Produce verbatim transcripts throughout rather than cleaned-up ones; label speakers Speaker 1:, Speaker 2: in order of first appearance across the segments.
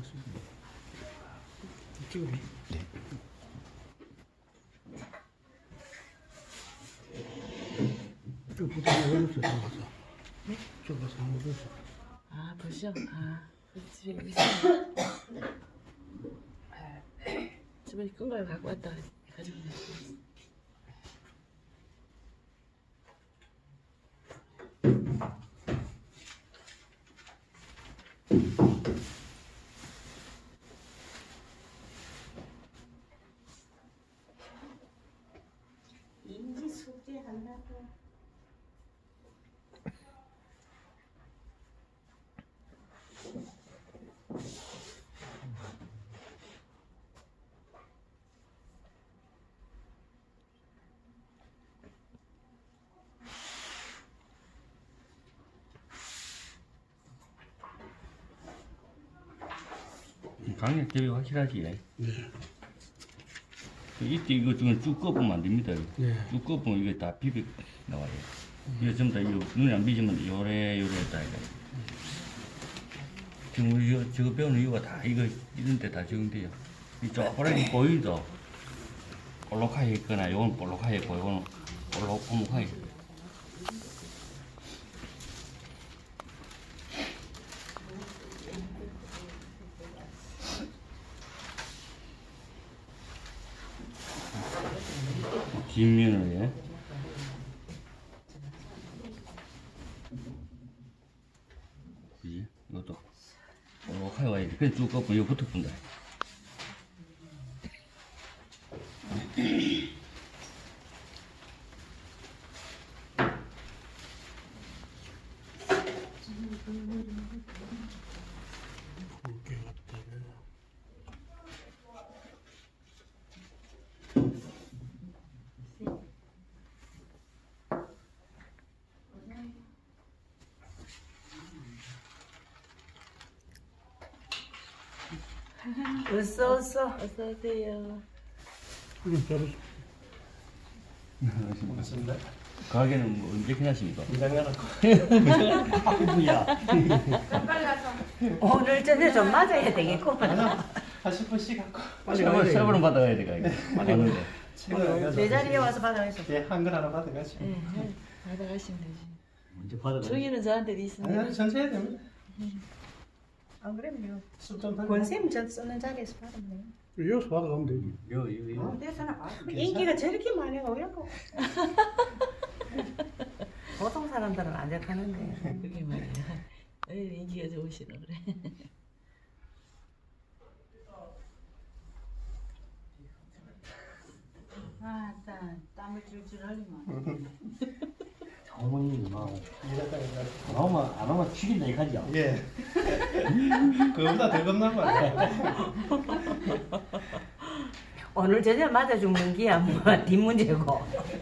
Speaker 1: 찍어.
Speaker 2: 네.
Speaker 1: 저 부탁을 해줬어, 잡아서.
Speaker 3: 네?
Speaker 1: 잡아서 한번 줬어.
Speaker 3: 아, 벌써? 아, 집에 있어. 집에 끈 걸 갖고 왔다 가지고 왔어.
Speaker 4: 인지 숙제한다고.
Speaker 5: 강력 대비 확실하지.
Speaker 1: 네.
Speaker 5: 이때 이거 지금 쭉 꺼보면 안 됩니다.
Speaker 1: 네.
Speaker 5: 쭉 꺼보면 이게 다 비비 나와요. 이거 전부 다 이거 눈에 안 비지면 요래 요래 다 이거. 지금 우리 이거 저거 배우는 이유가 다 이거 이런 데 다 적용돼요. 이 쪼그라기 보이죠? 볼록하게 있거나 요건 볼록하게 있고 요건 볼록오목하게. 뒷면을 예. 그지? 이것도 볼록하게 와야지. 그래 쭉 꺾고 이거 붙어 본다.
Speaker 1: 굵게 갖다 줘.
Speaker 4: 어서 어서.
Speaker 3: 어서 오세요.
Speaker 1: 그럼 잡았어.
Speaker 2: 맞습니다.
Speaker 5: 가게는 뭐 언제 끝나십니까?
Speaker 2: 아프야.
Speaker 4: 오늘 저녁 좀 맞아야 되겠구만.
Speaker 2: 한 십 분씩 갖고.
Speaker 1: 빨리 가야 돼.
Speaker 5: 세번은 받아가야 돼, 가게. 맞는데.
Speaker 4: 내 자리에 와서 받아가서.
Speaker 2: 예, 한글 하나 받아가지고.
Speaker 3: 네, 네. 받아가시면 되지.
Speaker 2: 먼저 받아가.
Speaker 3: 저기는 저한테 있습니다.
Speaker 2: 아니, 전체 해야 됩니다.
Speaker 4: 안 그러면
Speaker 2: 술좀 받아.
Speaker 4: 권쌤 저 쓰는 자리에서 받으면 돼요.
Speaker 1: 여기서 받아가면 되지.
Speaker 2: 요, 요, 요.
Speaker 4: 인기가 저렇게 많이가 왜고 보통 사람들은 안 적하는데.
Speaker 3: 그게 말이야. 에이, 인기가 좋으시나 그래.
Speaker 4: 아, 땀, 땀을 줄줄 흘리면.
Speaker 2: 어머니 뭐 안 오면 안 오면 죽인다 이거죠. 예. 그거보다 더 겁난 거야.
Speaker 4: 오늘 저녁 맞아 죽는 기야 뭐 뒷문제고.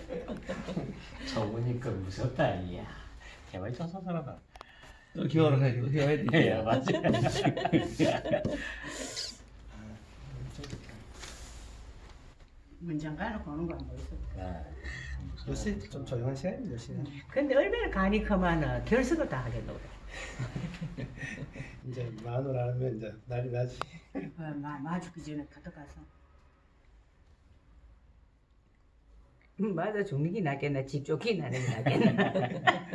Speaker 2: 저보니까 무섭다 이야. 개발 조사사라다.
Speaker 5: 또 기어를 해, 또 기어해야 돼.
Speaker 2: 예, 맞지.
Speaker 4: 문장 가놓고 오는 거 안 보였어.
Speaker 2: 요새 좀 조용한 시간입니다, 요새.
Speaker 4: 근데 얼마나 간이 크면은 결석을 다 하겠노 그래.
Speaker 2: 이제 마누라 하면 이제 난리 나지.
Speaker 4: 어, 마, 마주기 전에 가져가서. 음, 맞아 죽는 게 낫겠나 집 쫓기 나는 게 낫겠나.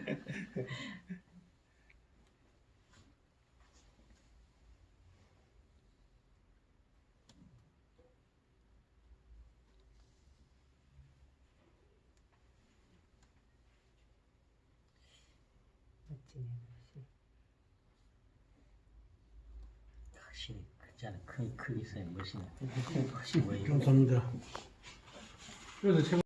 Speaker 2: 확실히 그자는 큰 크기 있어야 멋이네. 훨씬 멋있네.
Speaker 1: 감사합니다. 그래서